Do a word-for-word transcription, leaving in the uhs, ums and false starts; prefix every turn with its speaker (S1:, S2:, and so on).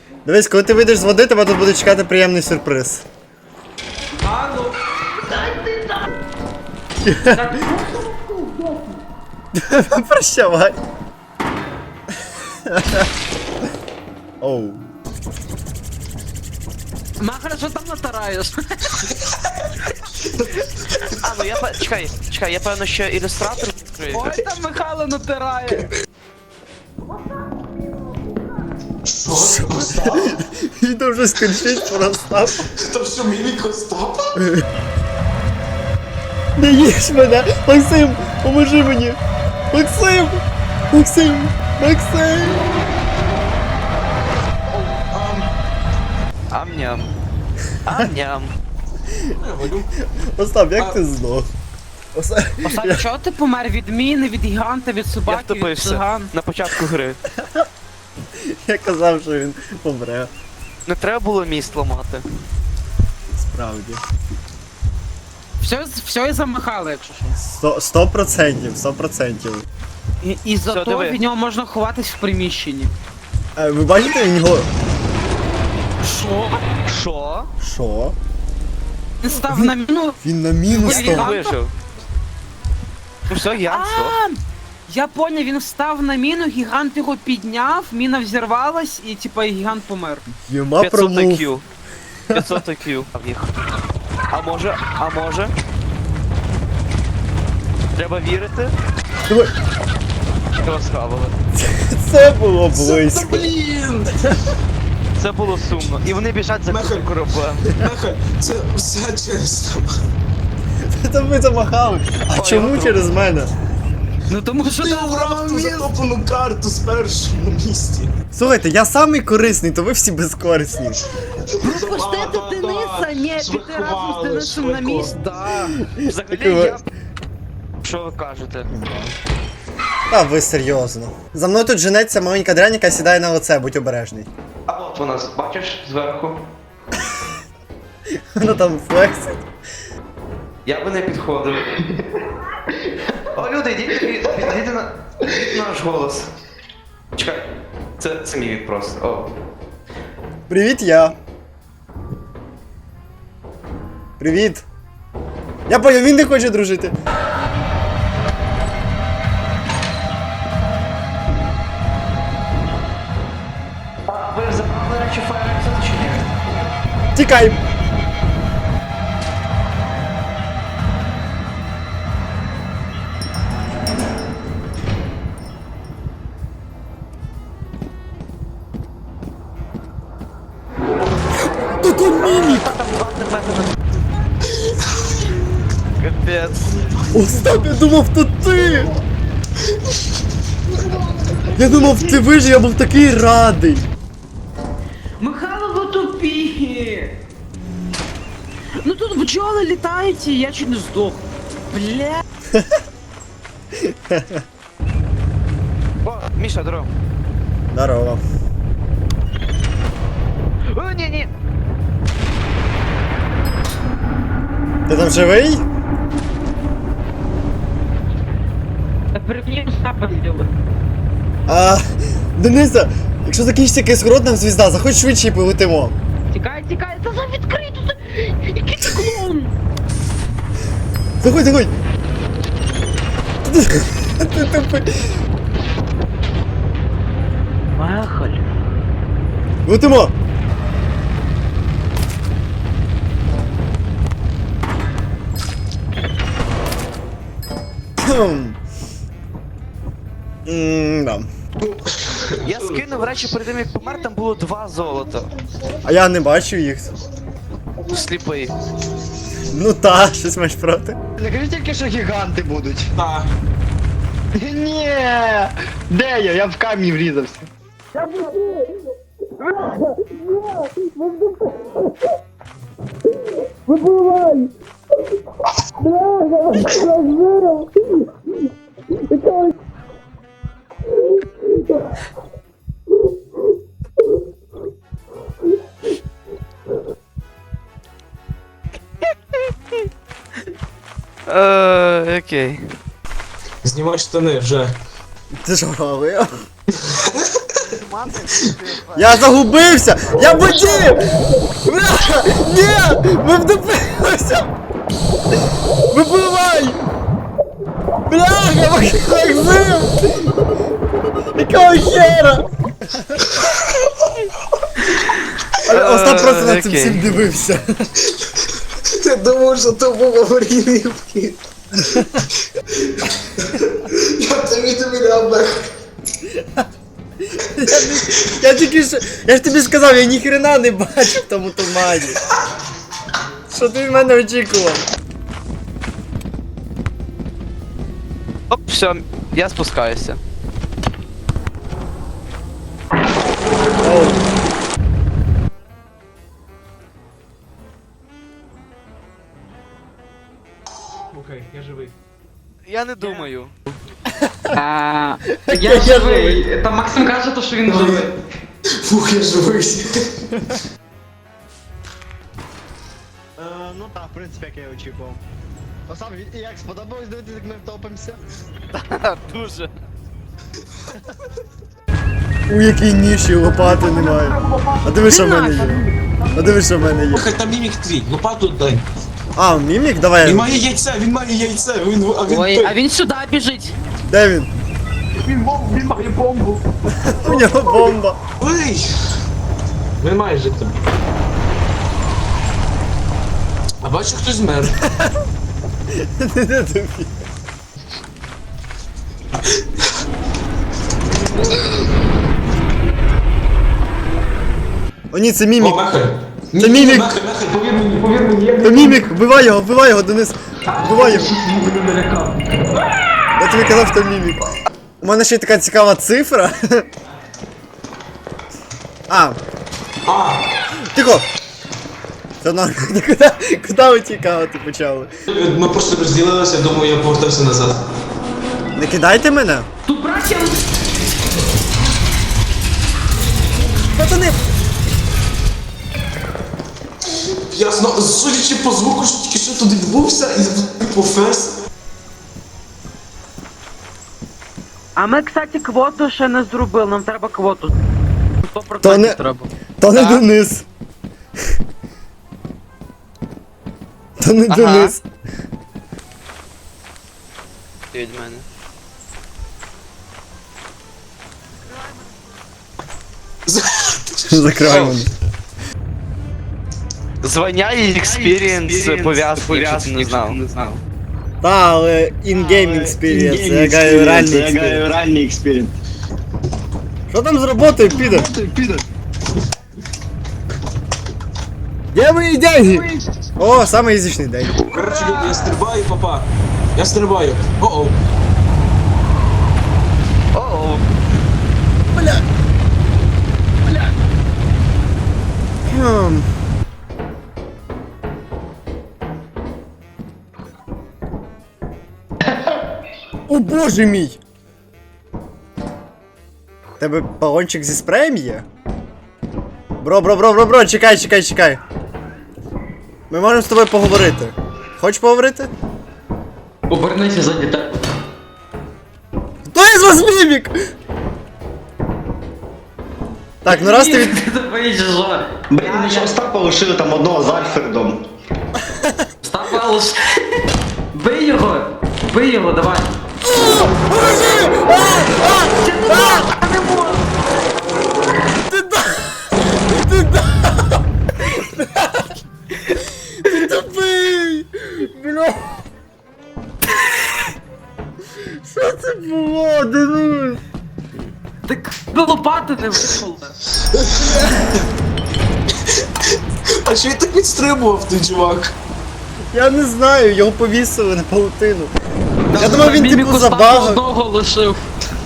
S1: Дивись, коли ти вийдеш з води, тебе тут буде чекати приємний сюрприз.
S2: А, ну.
S1: Прощавай. Оу.
S3: Махара, що там натараєш?
S4: А, ну я пе- чекай, чекай, я певно, що ілюстратор відкрию.
S3: Ой, там Михайло натирає.
S2: Що? Остап?
S1: Він там вже скінчить простав.
S2: То що мімік Остапа?
S1: Не їж мене! Максим, поможи мені! Максим! Максим! Максим!
S4: Ам-ням. Ам-ням.
S1: Остап, як ти здох? Остап...
S3: Остап, чого ти помер від міни, від гіганта, від
S4: Я
S3: собаки, від
S4: втопився
S3: циган?
S4: на початку гри.
S1: Я казав, що він помре.
S4: Не треба було міст ламати.
S1: Справді.
S3: Все, все із-за Михайла, якщо що.
S1: Сто, сто процентів, сто процентів.
S3: І, і за
S4: Все,
S3: то
S4: диви.
S3: від нього можна ховатись в приміщенні.
S1: Е, ви бачите, він його...
S3: Що?
S4: Що?
S1: Що?
S3: Він став на міну.
S1: Він на мінус
S3: Він
S4: Він
S1: став.
S4: вижив. Ну все, я все.
S3: А, я поняв, він встав на міну, гігант його підняв, міна взірвалась і типа гігант помер.
S1: Єма
S4: п'ятсот
S1: промов.
S4: ай кю. п'ятсот ай кю. А в їх. А може, а може? Треба вірити.
S1: Давай.
S4: Його схавали.
S1: Це було близько.
S2: Блін!
S4: Це було сумно. І вони біжать за
S2: Мехаль.
S4: кутим кораблем.
S2: Меха, це все через тебе.
S1: Це ви замахали. А
S4: Ой,
S1: чому
S4: я
S1: через мене?
S3: Ну тому що
S2: Ти
S3: ти
S2: обрав ту затоплену карту з першому місці.
S1: Слухайте, я самий корисний, то ви всі безкорисні.
S3: Пустити Дениса, ні, піти разом з Денисом на місць, да.
S4: Взагалі
S1: Такого-
S4: я... Що ви кажете?
S1: А ви серйозно. За мною тут женеться маленька дрянь, яка сідає на лице, будь обережний.
S4: А от вона, бачиш, зверху?
S1: Вона там флексить.
S4: Я би не підходив. О, люди, йдіть, підійдіть на підійдіть на наш голос. Чекай, це, це мій вік просто. О.
S1: Привіт, я. Привіт. Я поняв, він не хоче дружити.
S4: А ви забрали речі Фаєрекса чи ні?
S1: Тікай. Тут он мімік.
S4: Капець.
S1: Остап, я думав, то ти. Я думав, ти вижив, я був такий радий.
S3: Михайло, ви тупі! Ну тут бджоли літають, і я чуть не здох. Бля.
S4: О, Міша, здорово.
S1: Здорово.
S4: О, ні, ні.
S1: Ти там живий?
S3: Перед мені Остапа зробили.
S1: А, Дениса, якщо закінчиться кислород, нам звізда, заходь швидше і полетимо.
S3: Тікай, тікай, та за відкрито, та... Який ти клоун?
S1: Заходь, заходь. Ти тупий.
S3: Махаль.
S1: Летимо. М-да.
S4: Я скинув речі перед тим, як помер, там було два золота.
S1: А я не бачу їх.
S4: Сліпий.
S1: Ну та, щось маєш проти.
S5: Не кажи тільки, що гіганти будуть.
S2: Так.
S5: Ні! Де я? Я в камінь врізався.
S4: Е, окей.
S2: Знімай штани вже.
S1: Ти ж говорив? Я загубився! Я в воді! Бля! Ні! Ми втопилися! Випливай! Бляха, Максим! Якого хера? Але Остап просто на цим
S4: Окей.
S1: всім дивився.
S2: Ти думав, що то був аварійний вхід. Я тобі довіряв, Бех.
S1: Я, не- я тільки що. Я ж тобі сказав, я ніхрена не бачив в тому тумані. Що ти від мене очікував?
S4: Оп, все, я спускаюся.
S1: Оу.
S4: Я не думаю.
S3: А, я живий. Та Максим каже, то, що він живий.
S2: Фух, я живий.
S5: Е, ну так, в принципі, як я і очікував. Остап, як сподобалось дивитися, як ми втопимося?
S4: Дуже.
S1: У якій ніші лопати немає. А диви, що в мене є. А диви, що в мене є.
S2: Слухай, там мімік твій, лопату дай.
S1: А, мімік? Давай.
S2: Він має яйце, він має яйце, він, а він...
S3: Ой, а він сюди біжить.
S1: Де він?
S2: Він, бом- він має бомбу.
S1: У нього бомба.
S2: Ой! Він має жити. А бачу, хтось змер.
S1: Не тобі. О ні, це
S2: О,
S1: мімік.
S2: Мехай.
S1: Це мімік.
S2: Мехай, Мехай, повір мені, повір мені, я
S1: Це мімік, вбивай його, вбивай його, Денис. Вбивай його. Я тобі казав, що мімік. У мене ще є така цікава цифра. А,
S2: А,
S1: тихо! Це нормально. Куди, куди ви тікати почали?
S2: ми просто розділилися, я думаю, я повертався назад.
S1: Не кидайте мене!
S3: Тут браття.
S1: Пацани!
S2: Ясно, судячи по звуку, що тільки що туди відбувся, і по фес.
S3: А ми, кстати, квоту ще не зробили, нам треба квоту. сто
S1: То не-
S3: процентів треба.
S1: То не
S4: Так.
S1: Денис! То не
S4: Ага.
S1: Денис!
S4: Ти від мене.
S1: Закривай мене.
S4: Звання і експірієнс пов'язки, якщо ти не знав.
S1: Та, але in-game experience, я гаю реальний experience.
S5: реальний експірієнс.
S1: Що там з роботою, піде? Де мої деньги? О, самий язичний день.
S2: Коротше, люди, я стрибаю, папа. Я стрибаю. О-оу.
S4: О-о.
S1: Хм. О боже мій! Тебе балончик зі спреєм є? Бро, бро, бро, бро, бро, чекай, чекай, чекай. Ми можемо з тобою поговорити. Хочеш поговорити?
S3: Обернися за дітей.
S1: Хто із вас мімік? Так, ну раз ти від...
S5: Блін, ми ще Остапа лишили там одного з Альфредом.
S3: Став Бий його! Бий його, давай!
S1: Ти да! Ти да! Ти тупий! Бля! Що це було, Денис?
S3: Так би лопати не випали.
S2: А що він так відстрибував, той чувак?
S1: Я не знаю, його повісили на паутину. Я думав, він
S3: Міміку
S1: типу
S3: Стапа
S1: забагав.
S3: одного лишив.